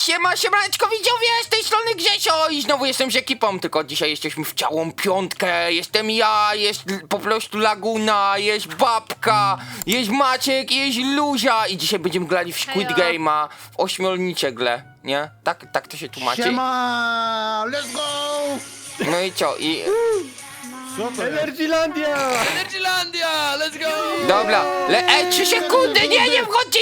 Siemaneczko widzowie, z tej strony Grzesio i znowu jestem z ekipą, tylko dzisiaj jesteśmy w całą piątkę. Jestem ja, jest po prostu Laguna, jest Babka, jest Maciek, jest Luzia i dzisiaj będziemy grali w Squid Game'a, w ośmiornicze gle, nie? Tak to się tłumaczy. Siema! Let's go! No i co? I... Co to jest? Energylandia! Energylandia! Let's go! Dobra, 3 sekundy, nie wchodźcie!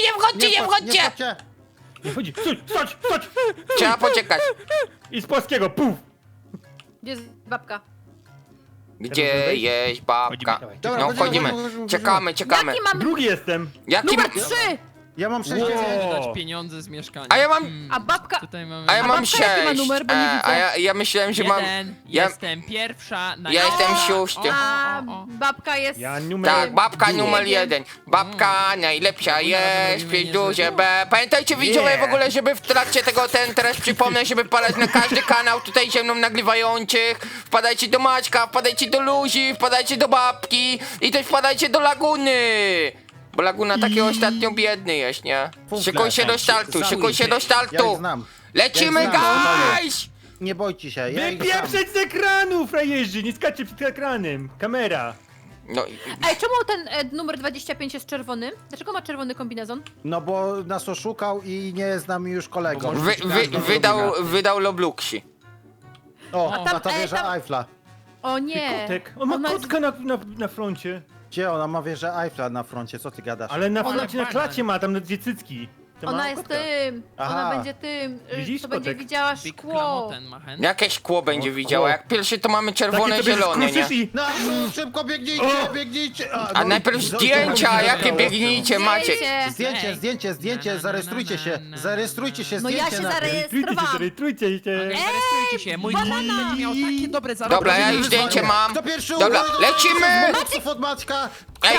Nie chodzi, stać! Trzeba poczekać. I z polskiego, puf! Gdzie jest babka? Gdzie jest Babka? Dobra, No wchodzimy, czekamy. Jaki mam Drugi jestem! Jaki... numer 3? Ja mam 6 Wow. Dać pieniądze z mieszkania. A ja mam... A babka... Tutaj mamy... A ja mam babka jaki ma 6. numer, bo nie widzę. Ja myślałem, że mam... Jeden. Ja... Jestem pierwsza na... Ja jestem O, szósty. A o. babka jest... Ja numer... Tak, babka Duo. numer 1. Babka najlepsza jest, robimy pięć duże niezłe. B. Pamiętajcie widzowie Yeah. w ogóle, żeby w trakcie tego teraz przypomnę, żeby wpadać na każdy kanał tutaj ze mną nagrywających. Wpadajcie do Maćka, wpadajcie do Luzi, wpadajcie do Babki i też wpadajcie do Laguny. Bo Laguna taki ostatnio biedny jest, nie? Fufle. Szykuj się do startu, szykuj się do Ja ich startu. znam. Lecimy, Ja ich znam, guys! Nie bójcie się, ja ich znam. Wypieprzeć z ekranu, frajerzy! Nie skaczcie przed ekranem! Kamera! No, Ej, czemu ten numer 25 jest czerwony? Dlaczego ma czerwony kombinezon? No bo nas oszukał i nie jest z nami już kolegą. wydał Lobluxi. O, tam- na to wieża tam- Eiffla. O nie! Kotek! On ma Ona jest- kotka na froncie! Gdzie ona ma wieżę Eiffla na froncie? Co ty gadasz? Ale na Ona- froncie, na klacie ma, tam na dwie cycki! To ma Ona jest kotka. tym! Aha. Ona będzie tym! Widzisz, to będzie kotek? widziała Big szkło! Klamoten ma chęć. Jakie szkło będzie O, widziała? o. Jak pierwszy to mamy czerwone, Takie sobie zielone, nie? skruszysz i... No, szybko biegnijcie, biegnijcie! A najpierw zdjęcia, jakie biegnijcie macie? Zdjęcie, zarejestrujcie się, No ja się zarejestrowałam! Zarejestrujcie się! Zarejestrujcie się, mój klon będzie miał takie dobre zarobki. Dobra, ja już zdjęcie mam. Kto pierwszy Dobra, umarł? lecimy! Moców od Maćka! Ej,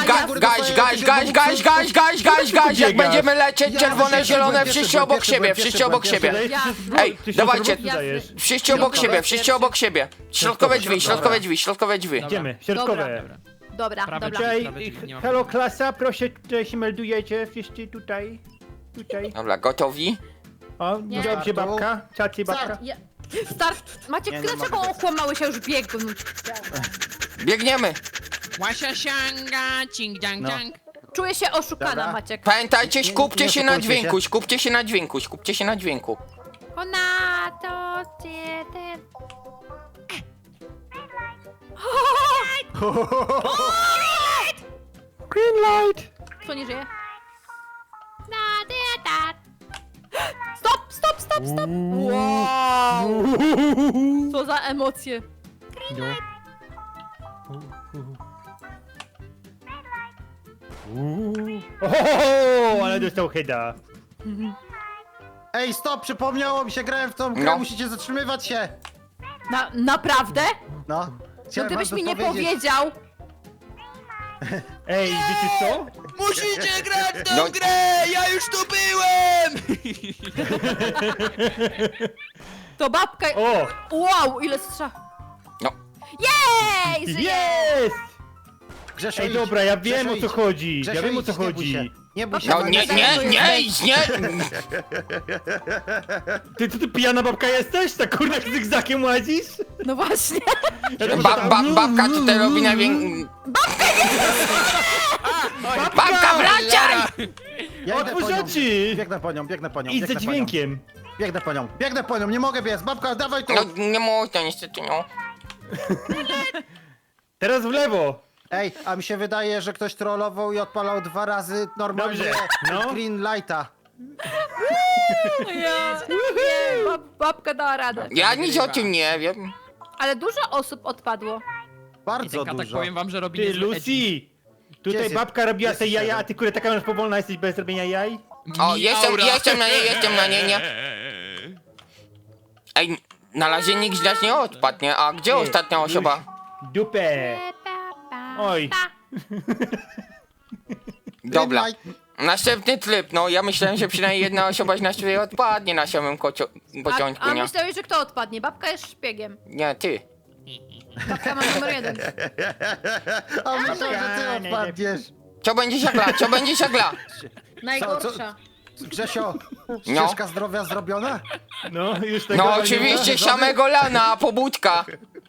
guys, jak będziemy lecieć, czerwone, zielone, wszyscy obok siebie, wszyscy obok siebie. Ej, dawajcie. Wszyscy obok siebie, wszyscy obok siebie. Środkowe drzwi. Idziemy, środkowe. Dobra, Prawe dobra. drzwi. Cześć, Prawe drzwi, nie ma halo klasa, proszę, tutaj się meldujecie, wszyscy tutaj. Dobra, gotowi? O, Nie. dobrze babka, czacie babka. Ja... Start! Maciek, Nie, no, dlaczego mogę. okłamałeś? Ja już biegłem. Biegniemy. Łasia sianga, cing dang No. dang. Czuję się oszukana, Dobra. Maciek. Pamiętajcie, skupcie nie się na oszukujcie dźwięku, się. skupcie się na dźwięku. Ona to cię ten... Green light! Kto nie żyje? Stop, stop, stop, stop! Wow! Co za emocje. Ohoho, ale dostał heada. Ej, stop, przypomniało mi się, grałem w tą grę, No. musicie zatrzymywać się! Naprawdę? No. No Chciałem gdybyś wam mi to nie powiedzieć. powiedział. Ej, wiecie co? Musicie grać w tę No. grę! Ja już tu byłem! To babka... O! Wow, ile strzał. No. Jej! Żyje! Jest! Grzesio, Ej, idź. dobra, ja wiem Grzesio, o co idź. chodzi. Grzesio, Ja wiem o idź, co nie bój się. chodzi. Nie bój się. No Maciek. nie. Ty pijana babka jesteś? Tak kurna zygzakiem łazisz? No właśnie. Babka tutaj robi najwięcej... Babka, wracaj! Ja idę Otwórz po nią. oczy! Biegnę po nią. Idź biegnę za po nią. dźwiękiem. Biegnę po nią, nie mogę biec. Babka, dawaj tu! No nie można niestety, no. Teraz w lewo. Ej, a mi się wydaje, że ktoś trollował i odpalał 2 razy normalnie Dobrze, no. green lighta. Ja, nie, babka dała radę. Ja nic o tym nie wiem. Ale dużo osób odpadło. I Bardzo ten katak, dużo. powiem wam, że robi Ty, niezłe edgy. Lucy! Gdzie Tutaj jest- babka robiła jest te jaja, siedem? a ty kurde taka masz powolna jesteś bez robienia jaj? O, Mi jestem aura. na niej, nie? Ej, na razie nikt z nas nie odpadł, nie? A gdzie Nie, ostatnia osoba? Dupę! Oj. Dobra. Green light. Następny tryb, no ja myślałem, że przynajmniej jedna osoba z nas tutaj odpadnie na samym początku, A nie? myślałeś, że kto odpadnie? Babka jest szpiegiem. Nie, ty. Babka ma numer 1. A myślałem, że ty odpadniesz. Co będzie siagla? Najgorsza. Grzesio, ścieżka zdrowia zrobiona? No, już tego No nie oczywiście, ma. samego lana, pobudka.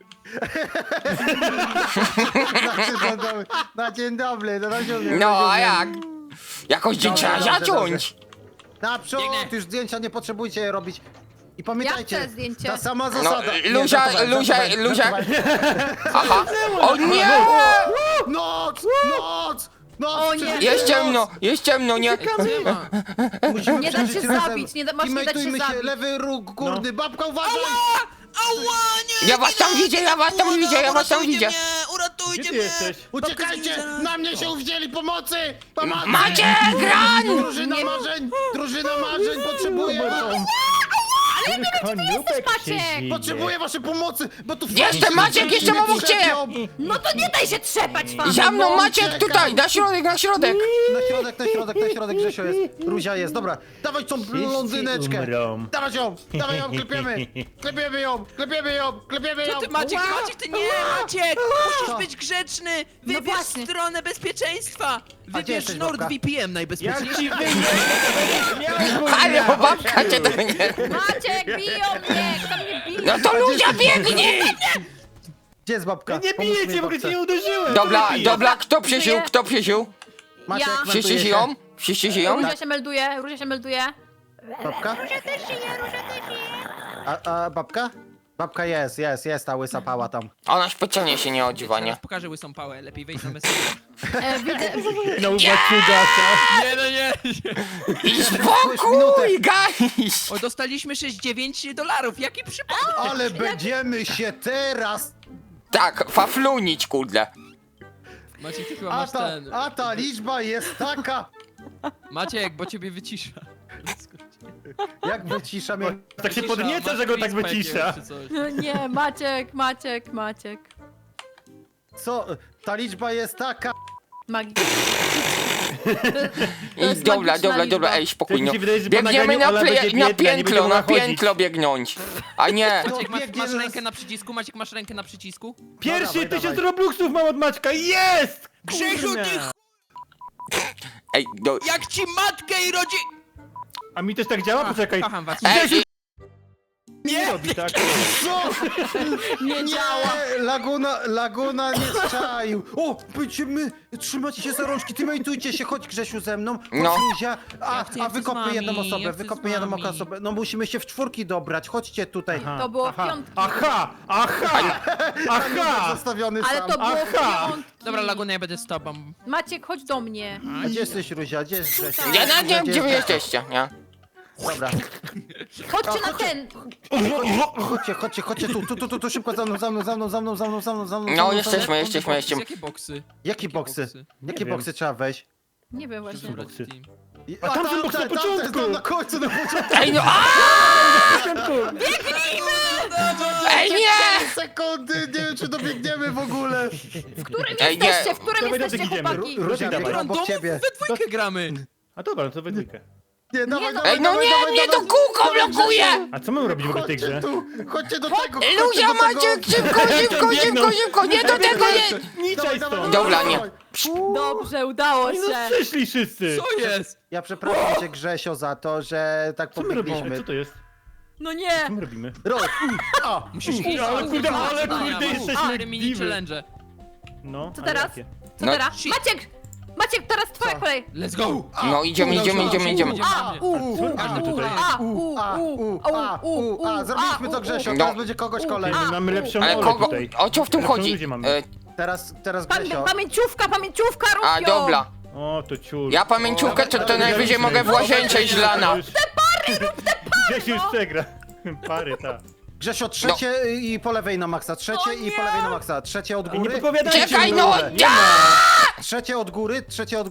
Na dzień dobry, na dzień dobry. No a jak? Jakoś dzień Dobrze, trzeba dobrze, zacząć. Naprzód, Biegnę. już zdjęcia nie potrzebujcie je robić. I pamiętajcie, chcę zdjęcie. ta sama No, zasada. Nie, Luzia, żartowałem, Luzia, żartowałem, Luzia. żartowałem. Aha. O nie! Noc! Noc! Noc! O nie. Jest ciemno, nie. Nie ma. Musimy Nie da się przeżyć razem. zabić, masz nie dać się Teammateujmy zabić. lewy róg górny, babka uważaj! Ała, nie! Ja was tam widzę, ja was tam widzę, ja was tam Uratujcie widzę. mnie, Gdzie uratujcie ty mnie! jesteś? Uciekajcie! Na mnie się uwzięli pomocy! Pomocy! Macie gran! Drużyna marzeń! Drużyna marzeń! Potrzebuję was! Konopek Maciek? się zje. Potrzebuję waszej pomocy! Bo tu Jestem Maciek, jestem obok ciebie! No to nie daj się trzepać, fan! Za mną No, Maciek uciekam. tutaj, na środek, na środek. Na środek Grzesio jest. Ruzia jest, dobra. Dawaj tą blondyneczkę! umrą. Dawaj ją, klepiemy! Klepiemy ją, klepiemy ją, klepiemy ją! Co ty, Maciek, Maciek, ty nie, Maciek! Musisz być grzeczny! Wybierz właśnie. stronę bezpieczeństwa! gdzie Wybierz jesteś, babka? NordVPN Jak najbezpieczniejszy. ci wyjdzie? Ale babka cię do mnie. Maciek, biją mnie! Kto mnie bije? No to Luzia biegnie! Gdzie jest babka? Nie bijecie, bo cię nie uderzyłem. Dobra, to nie dobra, kto przysił, Żyję. kto przysił? Maciek, Ja. Wszyscy melduje się. żyją? Wszyscy żyją? Róża się melduje, Róża się melduje. Babka? A babka? Babka jest, ta łysa pała tam. Ona specjalnie się nie odziwa, nie? Teraz pokażę łysą pałę, lepiej wejść na mesję. Widzę. No ubaciugasa. Nie, no nie! I spokój, guys! O, dostaliśmy $6,9, jaki przypadek! Ale będziemy się teraz... Tak, faflunić, kurde. Maciek, ty chyba A masz ta, ten... a ta liczba jest taka... Maciek, bo ciebie wycisza. Jak wycisza mnie... Tak się Wycisza, podnieca, masz że go tak freeze wycisza. packiem czy coś. No nie, Maciek. Co? Ta liczba jest taka... Magii. I dobra, ej, Tak spokój, mi no. się wydaje, że po Biegniemy nagraniu Ola będzie na biedna, nie będzie mogła chodzić. piętro biegnąć. A nie, Maciek, biegnie masz nas- rękę na przycisku? Maciek, masz rękę na przycisku? Pierwszy dawaj, 1000 dawaj. robluxów mam od Maćka, jest! Grzesiu, Kurna. ty ej, do... Jak ci matkę i rodzi... A mi też tak działa? Poczekaj. Kocham was. Ej, Nie robi tak. Co? Nie działa. Laguna nie czaił. O, będziemy trzymać się za rączki, teammateujcie się, chodź Grzesiu ze mną. Chodź, No. Luzia. Ja chcę z Wykopmy wami, jedną ja osobę, chcę wykopmy z jedną wami. osobę. No musimy się w czwórki dobrać, chodźcie tutaj. To było w piątki. Aha! Zostawiony Ale sam. to było w Aha. piątki. Dobra, Laguna, ja będę z tobą. Maciek, chodź do mnie. A gdzie jesteś, Ruzia? Gdzie jest Grzesiu? ja nawet nie wiem, gdzie wy jest- jesteście, nie? Dobra. Chodźcie na ten. Chodźcie tu, szybko za mną. No, jesteśmy. Jakie boksy? Jakie boksy? Jakie wiem. boksy trzeba wejść? Nie wiem właśnie. Boksy. I- A tam są boksy na tam jest początku. tam na końcu, na początku. Ej, no, ej, nie! Sekundy, nie wiem czy dobiegniemy w ogóle. W którym Ej, nie. jesteście? W którym Dawaj, jesteście, dawaj, idziemy. chłopaki? Ruzia, Dawaj. biegam obok Randomów ciebie. we dwójkę gramy. A dobra, no to we dwójkę. Nie, dawaj, no. dawaj, Ej, no dawaj, nie, dawaj, mnie to dawaj, kółko dawaj, blokuje! A co mamy robić w ogóle w tej Chodźcie grze? tu, chodźcie do tego. Luzia, Maciek, szybko, nie do tego, nie! Niczaj stąd! Dobra, nie. Dobrze, udało No się. przyszli wszyscy! Co jest? Ja przepraszam cię Grzesio za to, że tak Co my robimy? Co pobiegliśmy. to jest? No nie. Co my robimy? Musisz iść. Ale kurde, ale kurde, jesteśmy 4 mini diwy. challenge. No, Co a teraz? jakie? Co No. teraz? Maciek, teraz twoja Co? kolej. Let's go! No, idziemy. Każdy tutaj. Zrobiliśmy to Grzesio, No. teraz będzie kogoś kolej. My mamy lepszą Ale olę kogo, tutaj. o co w tym Lepszą chodzi? ludzie mamy. Teraz Grzesio. Pamięciówka, rób A, ją. dobra. O, to ciul. Ja pamięciówkę to najwyżej mogę w łazience iść lana. Gdzieś już przegra. Pary, tak. Grzesio, trzecie i po lewej na maksa, trzecie i po lewej na maksa. Trzecie od I nie góry. podpowiadajcie Czekaj, mi, no! Ole. Ja! Trzecie od góry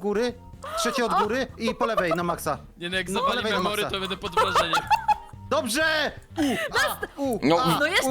i po lewej na maksa. Nie no, jak No, zawali lewej na memory, maksa. to będę pod wrażeniem. Dobrze! No. No jest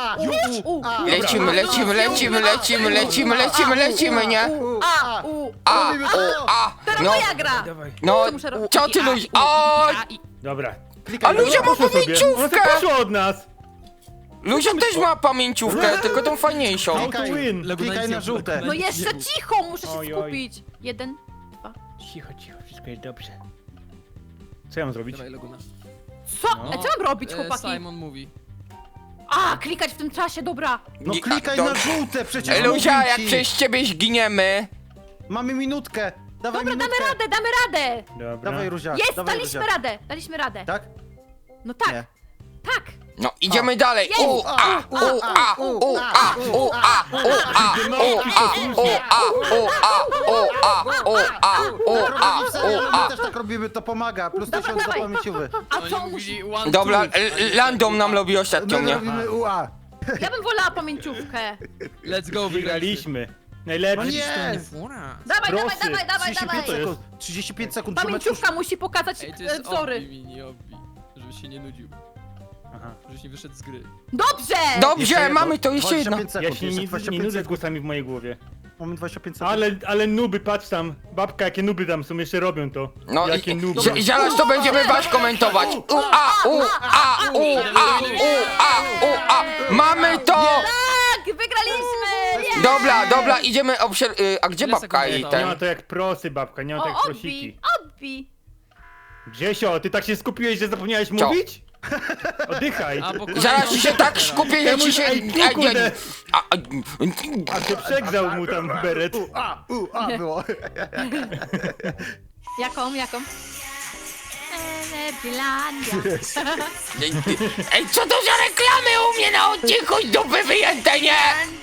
Lecimy, nie? Robimy to! Teraz No. moja gra. No, Co muszę robić? co ty Luzi? O, Dobra. a Luzia ma Poszło sobie. Ona pamięciówkę! tak poszła od nas! Luzia też ma pamięciówkę, tylko tą fajniejszą. How to win! Klikaj na żółte. No jeszcze cicho, muszę się Oj, oj. skupić. 1, 2. Cicho, wszystko jest dobrze. Co ja mam zrobić? Dawaj, Laguna. Co? No. Co mam robić, chłopaki? Simon mówi. A, klikać w tym czasie, dobra. No Nie, klikaj to- na żółte, przecież Luzia, mówię jak ci. przez ciebie zginiemy... Mamy minutkę. Dawaj Dobra, minutkę. damy radę. Dobra. Dawaj, Ruzia. Jest, dawaj, daliśmy Ruzia. radę, daliśmy radę. Tak? No tak, Nie. tak. No, idziemy dalej. Jest. U, a, u, a, u, a, u, a, u, a, u, a, u, a, u, a, u, a, u, a, u, a, Tak robimy, u, my a. też tak robimy, to pomaga. Plus 1000 do dawaj. pamięciowy. A co Oni musi... mówili one, Dobra, two. Landom nam robi ostatnio, My nie? robimy UA. Ja bym wolała pamięciówkę. Let's go, wygraliśmy. Wygraliśmy. Najlepszy. Nie. Fura. Dawaj, dawaj, Prosy. dawaj, dawaj, 35 dawaj. sekund. 35 sekund. Trzymać Pamięciówka musi pokazać Ej, to jest wzory. obbi, mini obbi. Żebyś się nie nudził. Aha. Żebyś nie wyszedł z gry. Dobrze! Jeszcze Dobrze, jedno. mamy to jeszcze jedno. 25 Ja sekund. się jeszcze nie 25 nudzę z sekund. głosami w mojej głowie. Mamy 25 sekund. Ale nuby, patrz tam. Babka, jakie nuby tam są, jeszcze robią to. No Jakie i nuby. zaraz to będziemy was komentować. U, a, u, a, u, a, u, a, u, a. Mamy to! Tak, wygraliśmy! Jest! Dobra, idziemy a gdzie Ile babka sekund i zostało? Nie ma ten? to jak prosy, babka, nie ma to jak O, prosiki. odbij. Grzesio, ty tak się skupiłeś, że zapomniałeś Co? mówić? Oddychaj. A, bo kolejną Zaraz ci się tak teraz. skupię, że ci się... Ej, kurde. a, A się przegrzał mu tam beret. UA było. Jaką? Energylandia. Ej, co to za reklamy u mnie na odcinku z dupy wyjęte, nie?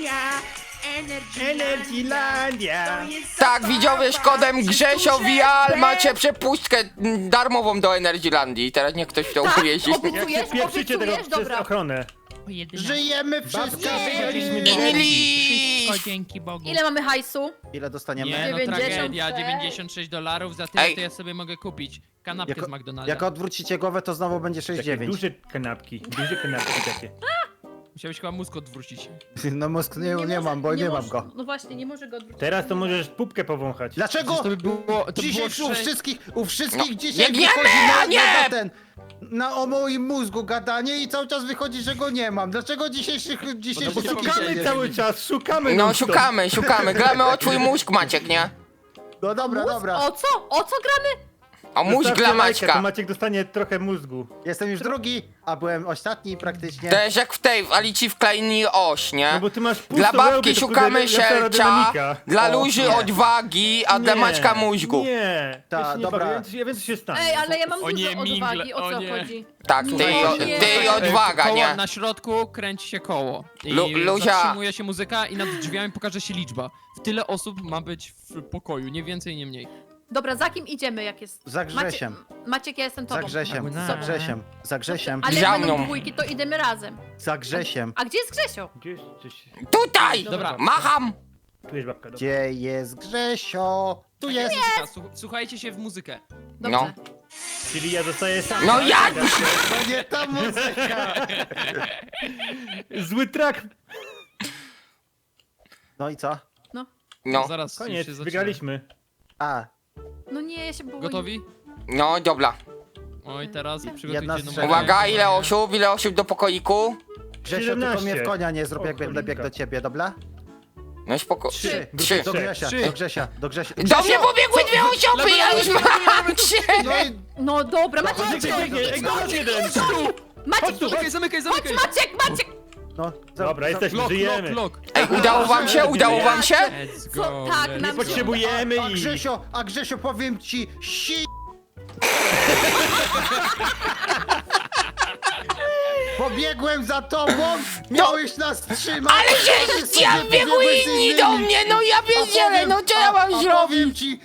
Energylandia. Tak, widzowie, z kodem Grzesio Vial macie przepustkę darmową do Energylandii. Teraz niech ktoś w to uwierzy. Jak się Obiecujesz? pieprzycie tego Obiecujesz? przez Dobra. ochronę. Żyjemy wszyscy. wygraliśmy Inli! Wszystko dzięki Bogu. Ile mamy hajsu? Ile dostaniemy? Nie, no 96. tragedia, $96, za tyle Ej. to ja sobie mogę kupić kanapkę z McDonalda. Jak odwrócicie głowę, to znowu będzie Takie 6,9. duże kanapki takie. Musiałeś chyba mózg odwrócić. No mózg nie mam, bo nie mam może- go. No właśnie, nie może go odwrócić. Teraz to możesz pupkę powąchać. Dlaczego? Przecież to by było... To Dzisiaj było u wszystkich No, dzisiaj biegniemy, wychodzi a nie! na o moim mózgu gadanie i cały czas wychodzi, że go nie mam. Dlaczego dzisiejszy bo Szukamy cały czas, szukamy No non-stop. szukamy, gramy o twój mózg, Maciek, nie? No dobra, Mózg? dobra. O co? O co gramy? O mózg Zostawcie dla lajka, to Maćka. Maciek dostanie trochę mózgu. Jestem już drugi, a byłem ostatni praktycznie. To jest jak w tej, w Alicji w Krainie Oś, No nie? bo ty masz Dla pustą babki wełbę, to szukamy kurde lepsza sielcia, aerodynamika. dla O, Luzi nie. odwagi, a dla Nie, Maćka mózgu. Nie, Ta, ja się nie dobra. bawię, ja wiem co się stanie. Ej, ale ja mam O nie, dużo mingle, odwagi, o o co nie. chodzi? Tak, Nie. ty odwaga, koło, nie? Na środku kręci się koło. I Luzia. zatrzymuje się muzyka i nad drzwiami pokaże się liczba. W tyle osób ma być w pokoju, nie więcej, nie mniej. Dobra, za kim idziemy, jak jest? Za Grzesiem. Maciek, ja jestem tobą. Za Grzesiem, Laguna. za Grzesiem, za Grzesiem, Ale Za jak będą mną. dwójki, to idziemy razem. za Grzesiem. A gdzie jest Grzesio? Gdzieś, gdzieś. Tutaj! Dobra. Macham! Tu jest babka, dobra. Gdzie jest Grzesio? Tu jest. Muzyka, słuchajcie się w muzykę. Dobrze. No. Czyli ja zostaję sam. No jak? To nie ta muzyka. Zły track. No i co? No, Zaraz już Koniec, się zaczyna. wygraliśmy. A, No nie, ja się boję. Gotowi? no dobra. Oj, teraz Jedna przygotujcie z numer. trzech. Uwaga, ile osób do pokoiku? Grzesio, tylko 17. mnie w konia nie zrób, jak O, będę biegł cholinka. do ciebie, dobra? No spoko. Trzy. Trzy. Do Grzesia, Trzy. do Grzesia, do Grzesia. Do mnie pobiegły dwie osoby, ja już mam trzy! No i No dobra, Maciek, Maciek biegnie, ej, chodź jeden. Maciek, Zamykaj, zamykaj, zamykaj! Maciek! no. Dobra, jesteśmy, Lock, żyjemy. lock, lock. Ej, udało wam się? Udało wam się? Let's Co? go. Tak, let's nam go. się Potrzebujemy A i... Grzesio, powiem ci, Pobiegłem za tobą, miałeś nas trzymać. Ale się ja biegły inni do mnie, no ja wiedziałem, no co ja mam Powiem zrobić? ci...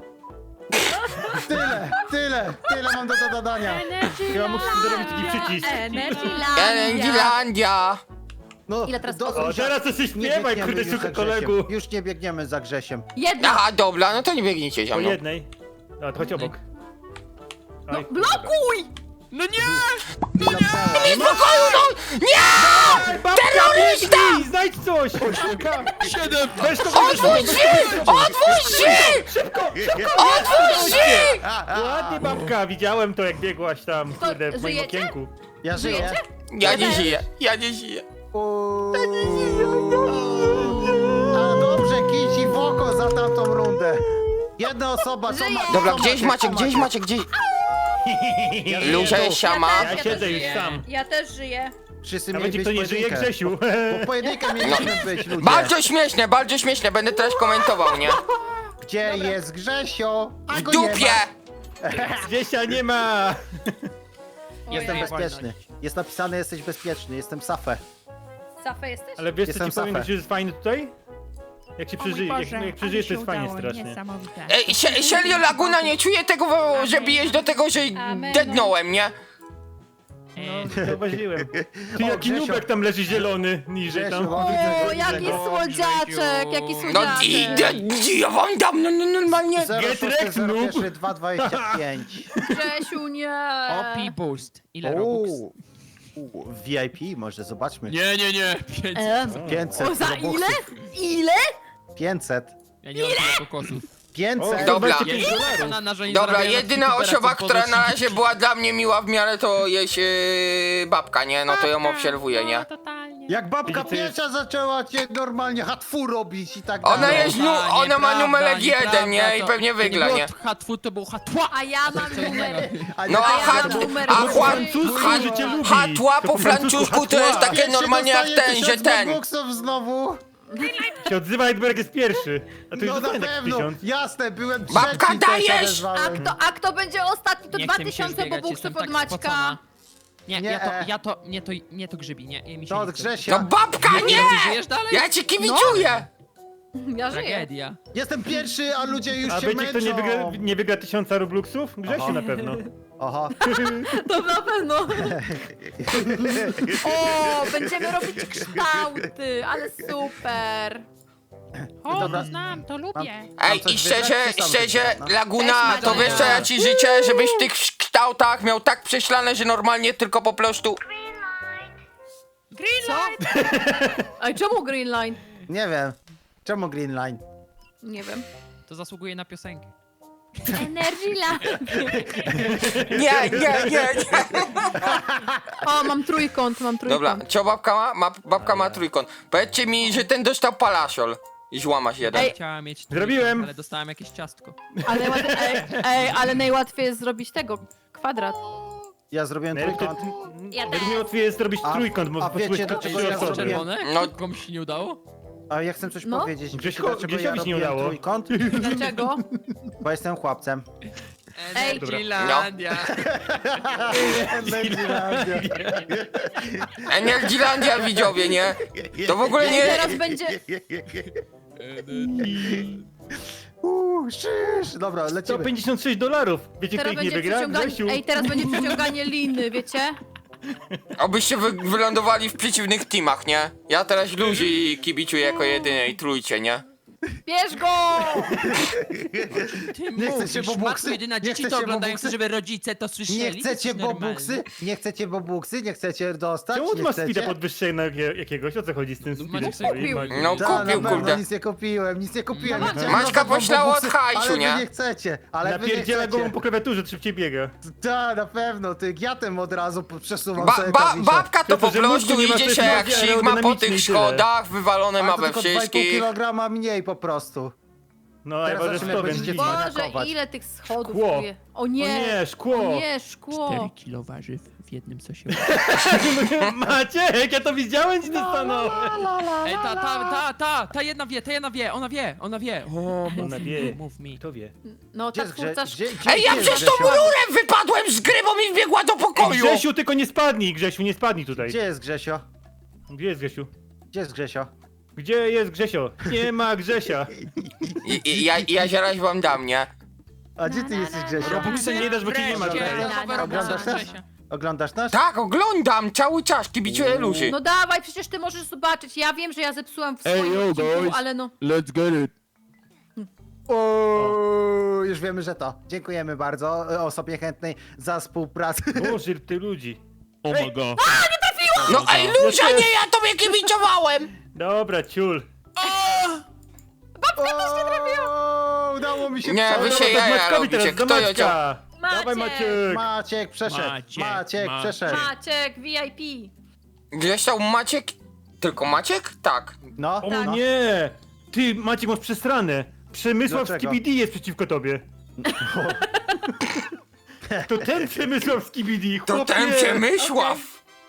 Tyle mam do dodania. Chyba muszę zrobić taki przycisk. Energylandia. Energylandia. No, Ile teraz do- osób? O, teraz to się Nie śpiewaj, biegniemy kurde, już za szuka Grzesiem. kolegu. Już nie biegniemy za Grzesiem. Jedna. Aha, dobra, no to nie biegnijcie za Po mną. jednej. A, to chodź obok. No Oj, blokuj! No nie! Nie spokoju, no! Nie! Terrorysta! Ej, znajdź coś! Szuka! 7! Weź to, Otwórz drzwi! Otwórz drzwi! Szybko! Otwórz drzwi! Ładnie babka, widziałem to jak biegłaś tam, To kurde, w moim żyjecie? okienku. Ja żyję. Żyjecie? Ja nie żyję, ja nie żyję. A dobrze, kici w oko za tamtą rundę. Jedna osoba, co ma... Dobra, co gdzieś macie, Maciek, co gdzieś macie? Maciek, gdzieś... Luzia jest siama. Ja też siedzę już żyję. sam. Ja też żyję. Wszyscy A mieli będzie być kto nie żyje, pojedynkę. Grzesiu. Po pojedynkę mieliśmy być, ludzie. Bardzo śmieszne, będę teraz komentował, nie? Gdzie jest Grzesio? A W go nie ma. dupie! Grzesia nie ma. Jestem Ojej. bezpieczny. Jest napisane, jesteś bezpieczny. Jestem Safę. Safę jesteś? Ale wiesz co Jestem ci powiem, Safę. że jest fajny tutaj? Jak się przeżyje, jak przeżyjesz, to jest fajnie strasznie. Niesamowite. Ej, Serio Laguna nie czuje tego, że bijesz do tego, że Amen. deadnąłem, nie? No, zauważyłem. Ty jaki Grzesio. nubek tam leży zielony, niżej Grzesio, tam. o, O, widzę, jaki widzę go. słodziaczek, jaki No słodziaczek. ja wam dam, no normalnie. 06, noob. 2,25. Grzesiu, nie. Opi boost. Ile robux? VIP, może zobaczmy. Nie. 500 O, za robuxów. ile? Ile? 500. Ja nie mam tyle kokosów. 500. Dobra. 25 dolarów. Dobra, jedyna osoba, która na razie była dla mnie miła w miarę, to jest babka, nie? No to ją obserwuję, nie? Totalnie. Jak babka Widzicie, pierwsza zaczęła cię normalnie hatfu robić i tak dalej. Ona jest, ona ma numerek 1, nie? I to- pewnie to nie wygra, było nie? hatfu, to było hatła. A ja mam numer. No a ja hat, mam numer a trzy. chła- Francusku, hat- że cię lubi. hatła po francusku to jest takie Jak się normalnie jak dostaje ten, że 1000 ten. robuxów znowu. Się odzywa jakby jak jest pierwszy. A to już No na dostanie tak pewno, 1000. jasne, byłem trzeci. Babka, to się dajesz! odezwałem. A kto będzie ostatni? To Nie chce mi się 2000 zbiegać, jestem bobuksów tak od Maćka. spocona. Nie, Nie. nie to grzybi, nie, mi się To nie od chce. Grzesia. No babka, nie! Ty żyjesz dalej? Ja ci kibicuję! Ja żyję. Tragedia. Jestem pierwszy, a ludzie już A się wiecie kto męczą. nie wygra 1000 rubluksów? Grzesiu Aha. na pewno. Aha. To na pewno. O, będziemy robić kształty, ale super. O, Dobra. to znam, to lubię. Ej, coś i szczerze, wybrać, czy sam szczerze, wybrać, no? Laguna, Też to Maciek. wiesz co ja ci życzę? Żebyś w tych kształtach miał tak prześlane, że normalnie tylko po prostu... Co? Ej, czemu Green Line? Nie wiem. Czemu Green Line? Nie wiem. To zasługuje na piosenkę. Energy Line. Nie. O, mam trójkąt. Dobra, co babka ma? Babka ma trójkąt. Powiedzcie mi, że ten dostał parasol. I złamasz jeden. Ej. Chciałem mieć Zrobiłem. trójkąt, ale dostałem jakieś ciastko. Ale najłatwiej jest zrobić tego. Kwadrat. Ja zrobiłem trójkąt. Najłatwiej jest zrobić A- trójkąt, bo a wiecie, posłuchać dlaczego trzy ja osoby. zrobiłem? Czerwone? No. Komuś się nie udało? A ja chcę coś No. powiedzieć. Wiecie, Grześko- dlaczego ja Grzesiowi się nie robiłem udało. trójkąt? Dlaczego? Bo jestem chłopcem. Ej. Energylandia. Energylandia widzowie, nie? To w ogóle Ej, nie... teraz będzie... Szysz. Dobra, lecimy. 156 dolarów. Wiecie kto Teraz ich nie będzie wygra? przyciąganie... Grzesiu. Ej, teraz będzie przyciąganie liny, wiecie? Obyście wylądowali w przeciwnych teamach, nie? Ja teraz Luzi kibicuję jako jedynej trójcie, nie? Bierz go! Ty Nie mówisz, chcecie bobuksy? matko jedyna, Nie dzieci to chcecie oglądają, bobuksy? żeby rodzice to słyszeli. Nie to chcecie jest normalne. bobuksy? Nie chcecie bobuksy? Nie chcecie dostać? Czemu ty Nie masz speeda chcecie? podwyższonego jakiegoś? O co chodzi z tym speedem? Maciek sobie kupił. No Da, na kupił, pewno, kurde. nic nie kupiłem. No Maciek. Chciałem Maćka rozdać wam poślała od bobuksy, hajsu, ale nie? wy nie chcecie, ale wy nie Napierdziela chcecie. go po klawiaturze, szybciej biega. Da, na pewno, ty giatem od razu przesuwam sobie klawisze. Babka to To, po że prostu mózgu nie ma, to idzie jest się jak bardziej Sigma po aerodynamiczny tych i tyle. schodach, wywalone Ale ma to we tylko 2,5 wszystkich. kilograma mniej po prostu. No, a ja Teraz ważę zobaczymy, 100, jak więc będziecie dziwnie. dzwonić. Boże, Atakować. ile tych schodów Szkło. tu jest. O O nie! nie, szkło! O nie, szkło! 4 kilo warzyw w jednym sosie. Maciek, ja to widziałem, ci to stanął. Ej, ta jedna wie, ona wie. O, Ona wie. mów mi. Kto wie? No, Gdzie ta jest twórca... Ej, ja przez tą rurę wypadłem z gry, bo mi wbiegła do Ej, pokoju! Grzesiu, tylko nie spadnij, Grzesiu, nie spadnij tutaj. Gdzie jest Grzesio? Gdzie jest Grzesiu? Gdzie jest Grzesio? Gdzie jest Grzesio? Nie ma Grzesia. Ja zaraz wam dam, nie? A gdzie ty jesteś Grzesio? Robuxa nie dasz, bo cię nie ma Wreszcie, tutaj. nowe Oglądasz Robuxy też? Grzesia. Oglądasz nas? Tak, oglądam cały czas, kibicuję Luzi. No dawaj, przecież ty możesz zobaczyć. Ja wiem, że ja zepsułam w swoim Ej, yo, odcinku, guys. ale no... Let's get it. O, już wiemy, że to. Dziękujemy bardzo osobie chętnej za współpracę. Boże, ty ludzi. Oh my god. No ej, Luzia, nie, ja tobie kibicowałem! Dobra, ciul. O, udało mi się Nie, przebić. wy się Dobra, to jaja Maćkowi robicie, teraz, do kto ją Maćka. Maciek. Dawaj Maciek. Maciek przeszedł. Maciek Maciek. przeszedł. Maciek, VIP. Gdzieś tam Maciek? Tylko Maciek? Tak. No, O no. nie! Ty, Maciek, masz przesrane. Przemysław Dlaczego? Skibidi jest przeciwko tobie. To ten Przemysław Skibidi, To chłopie! ten Przemysław!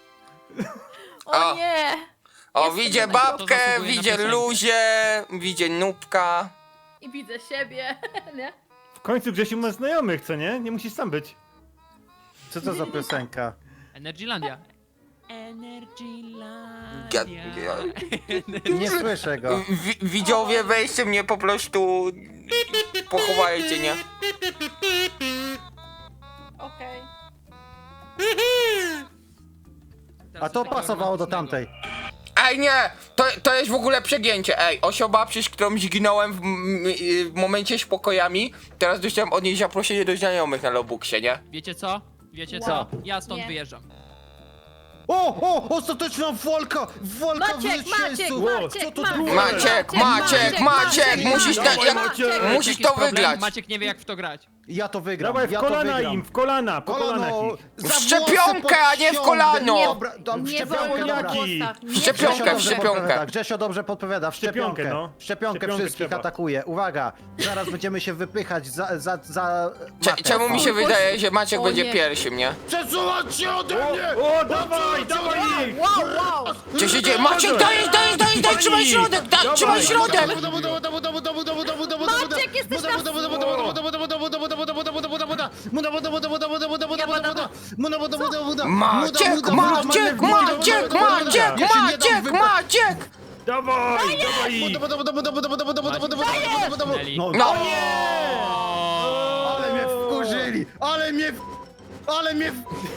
O O. nie! O, Jestem widzę na babkę, To zasługuje na widzę piosenkę. Luzię, widzę Nubka. I widzę siebie, nie? W końcu Grzesiu ma znajomych, co nie? Nie musisz sam być. Co to za piosenka? Energylandia. Energylandia. Nie słyszę go. Widzowie, weźcie mnie po prostu... Pochowajcie, nie? Okej. A to pasowało do tamtej. Ej, nie! To jest w ogóle przegięcie, ej. Osoba, przez którą zginąłem w momencie z pokojami, teraz dostałem od niej zaproszenie do znajomych na Lobuxie, nie? Wiecie co? Wiecie Wow. co? Ja stąd Nie. wyjeżdżam. O! Ostateczna walka! Walka w Maciek, zwycięstwu! Maciek, Co to Maciek, było? Maciek, musisz na... Dawaj, Jak, Maciek. musisz Jakiś to problem? wygrać! Maciek nie wie jak w to grać. Ja to wygram, Dawaj w ja to kolana wygram. im, w kolana, po kolanach Kolano! ich. za W szczepionkę, włosy a nie w podciągnę. kolano. Dobra, w Nie szczepionkę, wolno dobra. w włosach. Nie Szczepionkę, wolno. w szczepionkę. Grzesio dobrze podpowiada, w szczepionkę. Szczepionkę, no. W szczepionkę Szczepionkę wszystkich trzeba. atakuje. Uwaga, zaraz będziemy się wypychać za matę. Czemu mi się wydaje, że Maciek O będzie nie. pierwszym, nie? Przesuwać się ode mnie! O, dawaj ich! Wow! Co się dzieje? Maciek, dajesz, trzymaj środek, trzymaj środek! Maciek, jesteś na... Maciek! Dawaj ich! No, No, ale mnie wkurzyli! Ale mnie...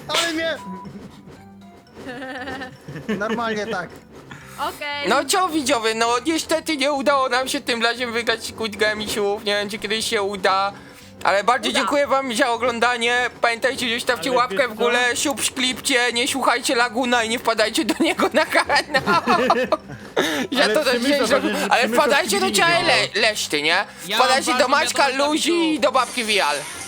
Normalnie tak. Okej. no co widzowie, no niestety nie udało nam się tym razem wygrać Squid Gamesów, nie wiem czy kiedyś się uda. Ale bardzo Uda. dziękuję wam za oglądanie, pamiętajcie, że zostawcie Ale łapkę wiesz w górę, co? subskrypcie, nie słuchajcie Laguna i nie wpadajcie do niego na kanał. Ja Ale to też Przemysław, nie zrobię, ale Przemysław wpadajcie do nie ciała działa. Leszty, nie? Ja Wpadajcie mam do ważną Maćka wiadomość dla Luzi i widzów. do babki Vial.